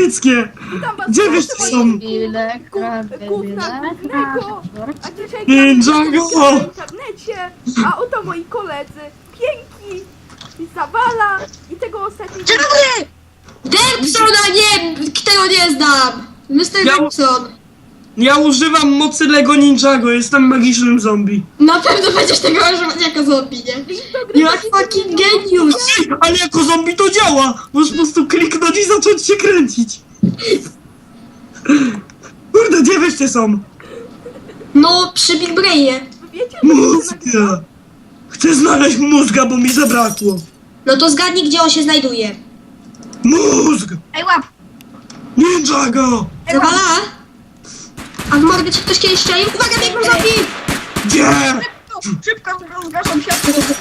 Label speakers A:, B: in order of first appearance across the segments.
A: niemieckie!
B: Witam was
A: Gdzie
B: bardzo,
A: wyście
B: moi
A: są?
B: Gówna głównego! A dzisiaj
A: Ninjago!
B: w internecie, a oto moi koledzy, Pięki, i Zawala i tego ostatniego...
C: Dempsona nie, którego nie znam! Mr.
A: Ja-
C: Dempson.
A: Ja używam mocy Lego Ninjago, jestem magicznym zombie.
C: Na pewno będziesz tego używać jako zombie, nie? Jak fucking genius!
A: Ale jako zombie to działa! Możesz po prostu kliknąć i zacząć się kręcić. Kurde, gdzie wyście są?
C: No, przy Big Brainie.
B: Wiecie, że to się nagrywa?
A: Mózga! Chcę znaleźć mózga, bo mi zabrakło.
C: No to zgadnij, gdzie on się znajduje.
A: Mózg!
B: Ej, łap!
A: Ninjago!
C: Zawala? A w mordę ci ktoś kiedyś strzelił? Uwaga, biegną zombie!
A: Gdzie?
B: Szybko, zgaszam się.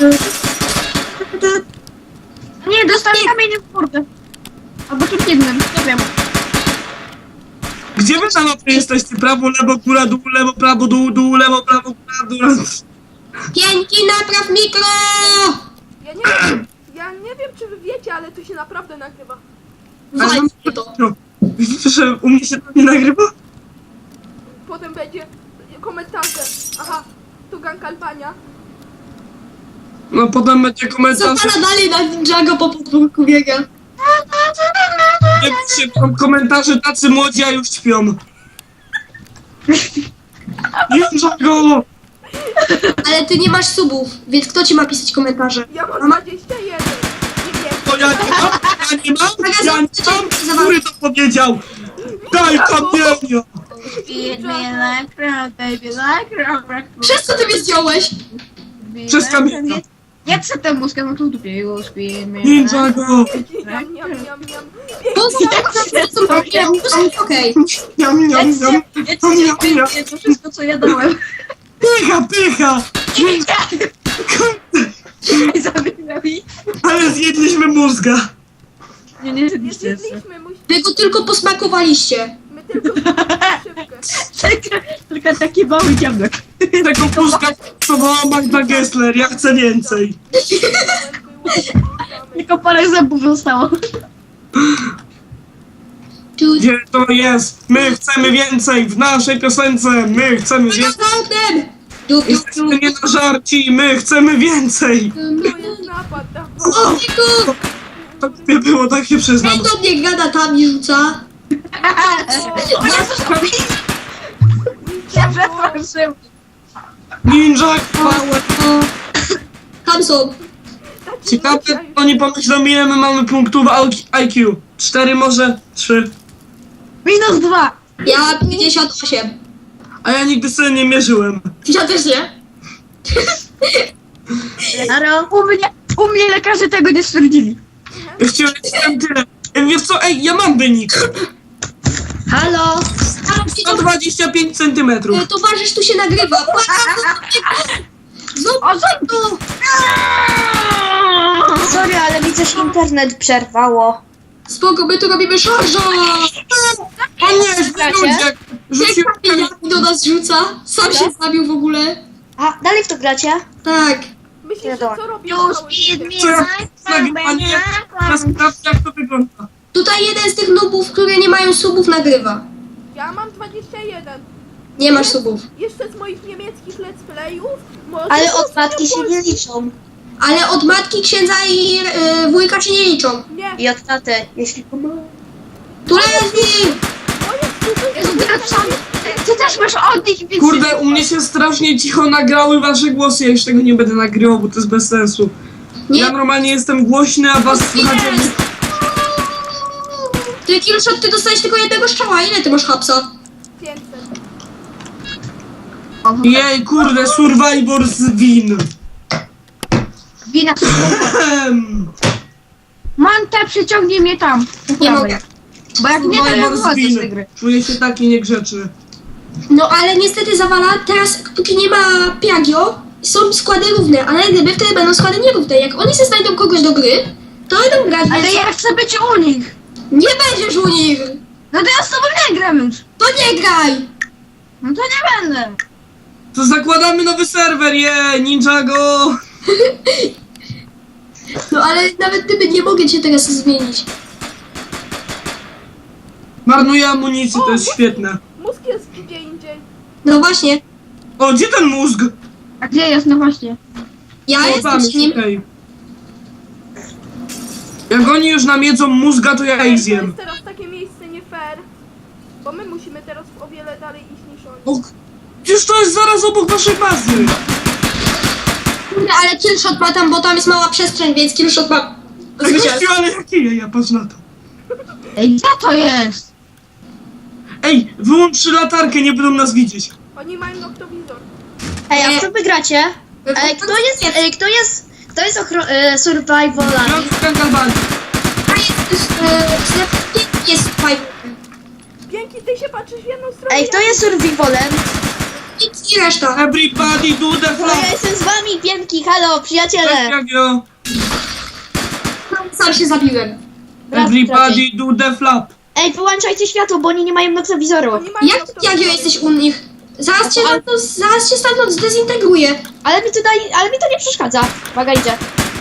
B: Nie, dostałem kamienie w mordę. Albo czymś innym, nie wiem.
A: Gdzie wy na mapie jesteście? Prawo, lewo, góra, dół, lewo, prawo, dół, dół, lewo, prawo, góra, dół.
C: Pięki, napraw mikro!
B: Ja nie wiem, czy wy wiecie, ale to się naprawdę nagrywa.
C: Walcie to.
A: No, widzicie, że u mnie się to nie nagrywa?
B: Potem będzie komentarze. Aha, to gang Albania.
A: No potem będzie komentarz.
C: Zawala dalej na Ninjago po podwórku biega.
A: Nie piszcie tam komentarze, tacy młodzi, a już śpią. Ninjago!
C: Ale ty nie masz subów, więc kto ci ma pisać komentarze?
B: Ja mam 21. Nie wiem.
A: To ja nie mam? Ja nie mam? Ja nie mam? Który to powiedział? Daj kamienia!
C: Przez co ty mnie zdjąłeś?
A: Przez kamienia.
D: Jak chcę tę muszkę, no to dupie już
A: Ninjago!
B: Niam, niam, niam, niam.
C: Okej.
A: Niam, niam, niam. Niam, niam.
D: to wszystko, co ja dałem.
A: Pycha, pycha!
D: Zabierali.
A: Ale zjedliśmy mózga.
D: Nie, nie,
B: Nie
D: zjedliście jeszcze.
B: zjedliśmy,
C: Wy go tylko posmakowaliście.
B: my tylko szybkę.
D: Tylko taki mały dziablek.
A: Tego mózga próbowała Magda Gessler, ja chcę więcej.
D: Tylko parę zębów zostało.
C: Tu...
A: Gdzie to jest? My chcemy więcej w naszej piosence. My chcemy
C: Za
A: więcej.
C: oknem! Du, du,
A: Jesteśmy nie na żarci. My chcemy więcej.
B: To jest napad,
C: O, Niku!
A: Tak nie było, tak się przyznam.
C: Ej, do mnie granatami rzuca.
D: Ja przepraszam.
A: Ninja power.
C: O. Tam są.
A: Ciekawe, oni pomyślą, ile my mamy punktów IQ. 4 może? 3.
D: -2.
C: Ja 58.
A: A ja nigdy sobie nie mierzyłem.
C: Ja też nie.
D: U mnie lekarze tego nie stwierdzili.
A: Ja chciałem tyle. Wiesz co, ej, ja mam wynik.
C: Halo? Halo,
A: 125 centymetrów.
C: towarzysz tu się nagrywa. Znowu
D: O, co?
E: Sorry, ale widzę, że internet przerwało.
C: Spoko, my tu robimy szarża.
A: O nie, ludzie! Rzuciłem
C: Jak do nas rzuca? Sam się zabił w ogóle.
E: A, dalej w to gracie?
C: Tak.
B: Myślisz, że co robią
D: Już
B: całe
D: feed
B: życie?
D: me
A: Co ja
D: like
A: nagrywanie? Ja sprawdzę, jak to wygląda.
C: Tutaj jeden z tych nubów, które nie mają subów, nagrywa.
B: Ja mam 21.
C: Nie masz subów.
B: Jeszcze z moich niemieckich let's playów. może
E: Ale
B: to
E: od matki się
B: są
E: nie liczą.
C: Ale od matki, księdza i wujka się nie liczą.
B: Nie,
E: I od taty, jeśli
C: Tu leży!
D: Ty też masz od nich, więc...
A: Kurde, u mnie się strasznie cicho nagrały wasze głosy, ja już tego nie będę nagrywał, bo to jest bez sensu.
C: Nie.
A: Ja normalnie jestem głośny, a was słychać jakby...
C: Ty, Killshot, ty dostałeś tylko jednego strzała. Ile ty masz hapsa?
B: 500.
A: Jej, kurde, Survivor z win.
D: Wina. Manta, przyciągnij mnie tam.
C: Nie mogę.
D: Bo jak nie, to ja
A: Survivor z
D: wychodzę z tej
A: win.
D: gry.
A: Czuję się taki niegrzeczny.
C: No ale niestety Zawala, teraz póki nie ma Piagio, są składy równe, ale gdyby wtedy będą składy nierówne. Jak oni se znajdą kogoś do gry, to będą grać,
D: Ale
C: więc
D: ja chcę być u nich.
C: nie będziesz u nich!
D: No to ja z tobą nie gram już.
C: To nie graj!
D: No to nie będę.
A: To zakładamy nowy serwer, Ninjago!
C: No ale nawet gdyby nie mogę cię teraz zmienić.
A: Marnuję amunicję, to jest świetne.
B: Mózg jest gdzie indziej.
C: No właśnie,
A: O, gdzie ten mózg?
D: A gdzie jest? No właśnie.
C: ja
A: O,
C: jestem
A: tam,
C: z nim.
A: okej. Jak oni już nam jedzą mózga, to ja ich
B: To jest
A: zjem.
B: teraz takie miejsce nie fair. Bo my musimy teraz o wiele dalej iść niż oni.
A: O, przecież to jest zaraz obok naszej bazy.
C: Kurde, ale killshot ma tam, bo tam jest mała przestrzeń, więc killshot ma
A: Ej,
C: zwycięstwo.
A: gościu, ale jakie ja patrz na to.
D: Ej, gdzie to jest?
A: Ej, wyłącz latarkę, nie będą nas widzieć.
B: Oni mają noktowizor.
E: Ej, a w co wy gracie? Kto jest survivalami?
A: Gram w Kangalbani.
C: A jest fajny.
B: Pięknie, ty się patrzysz w jedną stronę.
E: Ej, kto jest survivalem?
C: I reszta.
A: Everybody do the
E: No
A: flap.
E: ja jestem z wami, Piękki, halo, przyjaciele!
A: Jagio.
C: Sam się zabiłem.
A: Everybody do the flap.
E: Ej, wyłączajcie światło, bo oni nie mają noktowizoru.
B: Oni mają
C: Jak
B: noktowizor.
C: Jagio jesteś u nich? Zaraz cię stamtąd zdezintegruję.
E: Ale mi to nie przeszkadza. Uwaga, idzie.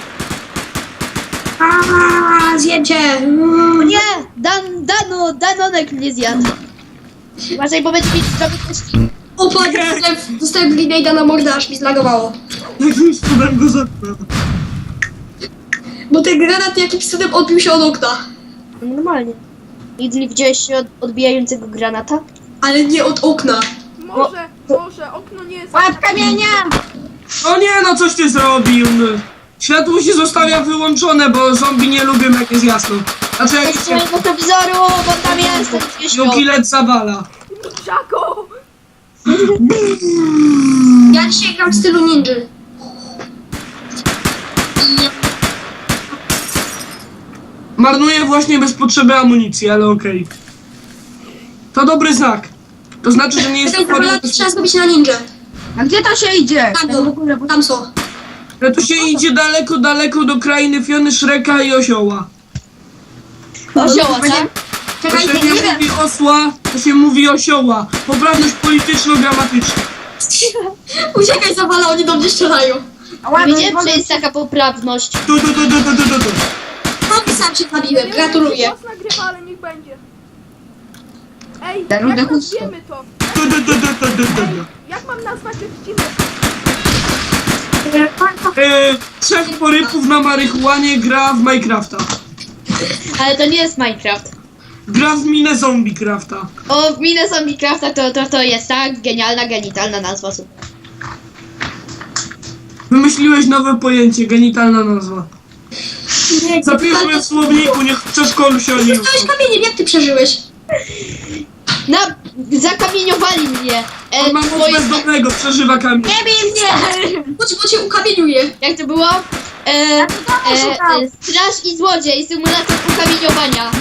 C: Zjęcie.
E: O nie! Danonek mnie zjadł. Uważaj, bo będzie mi zrobić kości.
C: O, patrz, dostałem grenade'a na mordę, aż mi zlagowało.
A: Jakimś cudem go zatknął.
C: Bo ten granat jakimś cudem odbił się od okna.
E: Normalnie. Nigdy nie widziałeś się od odbijającego granata?
C: Ale nie od okna.
B: Może, okno nie jest...
D: Łap kamienia!
A: O nie, no coś ty zrobił. No. Światło się zostawia wyłączone, bo zombie nie lubią jak jest jasno. Znaczy
E: Ej,
A: jak
E: nie mają noktowizoru, bo tam jest, ten nie śpią.
A: Jukilet zawala.
B: Żako!
C: Ja dzisiaj gram w stylu ninja.
A: Marnuję właśnie bez potrzeby amunicji, ale okej. To dobry znak. To znaczy, że nie jest
C: Czekaj,
A: to
C: trzeba zrobić na ninja.
D: A gdzie to się idzie?
C: Tam
D: Tak w ogóle, bo...
C: Tam są.
A: że tu się idzie daleko, daleko do krainy Fiony, Shreka i Osioła.
E: Osioła, tak?
A: To
C: Czekaj,
A: się
C: nie
A: nie
C: wiem.
A: mówi osła, to się mówi osioła. Poprawność polityczno-gramatyczna.
C: Uciekaj, zawala, oni do mnie strzelają.
E: Wiedziałem, że jest taka poprawność.
A: Tu.
C: No i sam się
B: Ja
C: zabiłem,
B: nie
C: gratuluję.
B: wiem, czy głos nagrywa, ale niech będzie. Ej,
D: Ten
B: jak
D: rudy
B: nazwiemy to? Jak mam nazwać odcinek?
A: Trzech porypów na marihuanie gra w Minecrafta.
E: Ale to nie jest Minecraft.
A: Gra w minę Zombiecrafta.
E: O, w minę Zombiecrafta to jest tak genialna, genitalna nazwa. Super.
A: Wymyśliłeś nowe pojęcie, genitalna nazwa. Zapiszmy w słowniku, niech w przedszkolu się o nim
C: Zostałeś kamieniem, jak ty przeżyłeś?
E: Zakamieniowali mnie.
A: On ma moc
E: Twoje-
A: bezdomnego, przeżywa kamień.
C: Nie bij mnie! Bo cię ukamieniuję.
E: Jak to było? Straż i złodziej, symulator ukamieniowania.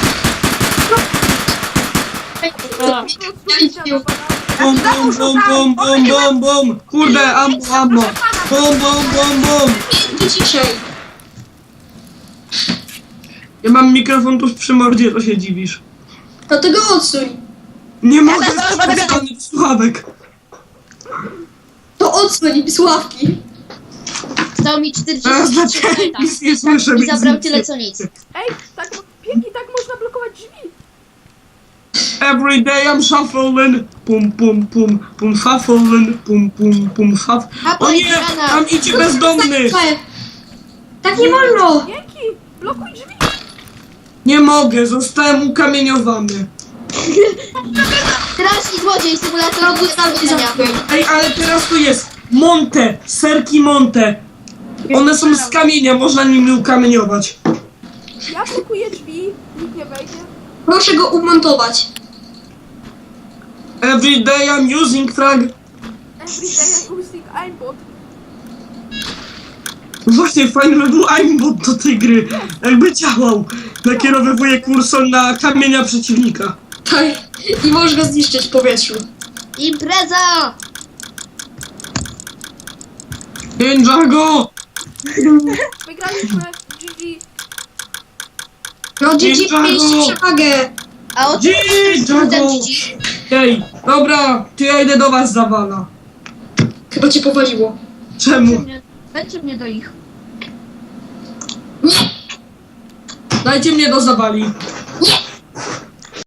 B: Po prostu
C: Ja
B: idzie
A: Bum, bum, bum, bum, bum, bum, bum. Kurde, ammo. Bum, bum, bum, bum.
C: Pięknie ciszej.
A: Ja mam mikrofon tuż przy mordzie, to się dziwisz.
C: No to go odsuń.
A: Nie mogę z słuchawek.
C: To odsuń mi słuchawki.
E: Dał mi
A: Teraz
E: 43
A: dlaczego
E: lata.
A: nic nie słyszę,
E: I
A: więc
E: zabrał
A: nic
E: tyle
A: nie-
E: co nic.
B: Ej, tak, pięknie tak można blokować drzwi.
A: Every day I'm shuffling. Pum, pum, pum, pum, shuffling. Pum, pum, pum, shuff. O nie, tam idzie bezdomny.
C: Tak nie wolno.
B: Pięknie, blokuj drzwi.
A: Nie mogę, zostałem ukamieniowany.
E: Straż i złodziej, symulator ukamieniowania.
A: Ej, ale teraz tu jest Monte, serki Monte. One są z kamienia, można nimi ukamieniować.
B: Ja blokuję drzwi, nikt nie wejdzie.
C: Proszę go umontować.
A: Every day I'm using frag.
B: Everyday I using aimbot.
A: Właśnie fajny by był aimbot do tej gry. Jakby działał. Nakierowywuje kursor na kamienia przeciwnika.
C: Tak. I możesz go zniszczyć w powietrzu.
E: Impreza!
A: Ninjago!
B: Wygraliśmy GG.
C: No GG
A: Ninjago!
C: mieliście przewagę.
E: A o
A: Ninjago! Ej, dobra, to ja idę do was zawala.
C: Chyba cię powaliło.
A: Czemu?
D: Dajcie mnie do ich.
A: Dajcie mnie do zawali.